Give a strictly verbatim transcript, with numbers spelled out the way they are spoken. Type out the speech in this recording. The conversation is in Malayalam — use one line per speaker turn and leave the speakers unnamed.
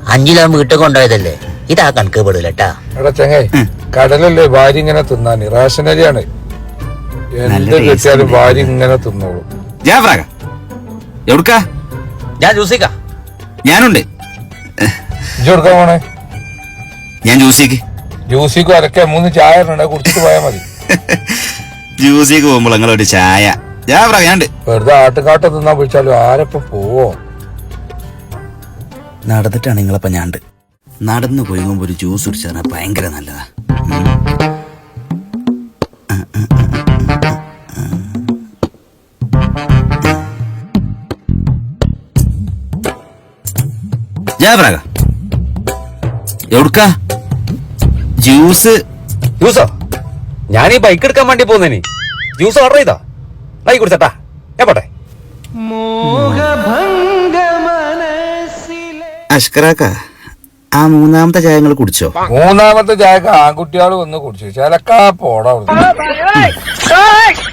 അഞ്ചിലോ വീട്ടിൽ കൊണ്ടുപോയതല്ലേ, ഇതാ കണക്ക് പെടില്ലട്ടാ.
എടാ ചെങ്ങായി, കടലല്ലേ ഭാര്യ ഇങ്ങനെ തിന്നാന്, റേഷനരിയാണ്. എന്ത് കിട്ടിയാലും ഭാര്യ ഇങ്ങനെ തിന്നോളൂ.
എവിടുക്കാ?
ഞാൻ ജ്യൂസിക്കാ.
ഞാനുണ്ട്.
ഇജ്ജ് കൊടുക്കാൻ പോണേ?
ഞാൻ ജ്യൂസിക്ക്
ജ്യൂസിക്ക് അരക്കെ മൂന്ന് ചായ കുടിച്ചിട്ട് പോയാൽ മതി.
ജ്യൂസിക്ക് പോകുമ്പോൾ നിങ്ങളൊരു ചായ. ഞാനുണ്ട്.
വെറുതെ ആട്ടുകാട്ട തിന്നാൻ വിളിച്ചാലും ആരപ്പം പോവോ?
നടന്നിട്ടാണ് നിങ്ങളപ്പം ഞാണ്ട്. നടന്നു കൊയ്യുമ്പോ ഒരു ജ്യൂസ് കുടിച്ചാൽ ഭയങ്കര നല്ലതാ. ജാബ്രാക എവിടുക്കാ? ജ്യൂസ്.
ജ്യൂസോ? ഞാൻ ഈ ബൈക്ക് എടുക്കാൻ വേണ്ടി പോകുന്നേന് ജ്യൂസ് ഓർഡർ ചെയ്താ ബൈക്ക് കുടിച്ചട്ടാ. ഞാൻ പോട്ടെ.
അഷ്കറാക്ക, ആ മൂന്നാമത്തെ ചായ നിങ്ങൾ കുടിച്ചോ?
മൂന്നാമത്തെ ചായക്ക് ആൺകുട്ടികൾ വന്ന് കുടിച്ചു. ചിലക്കാ പോടാ.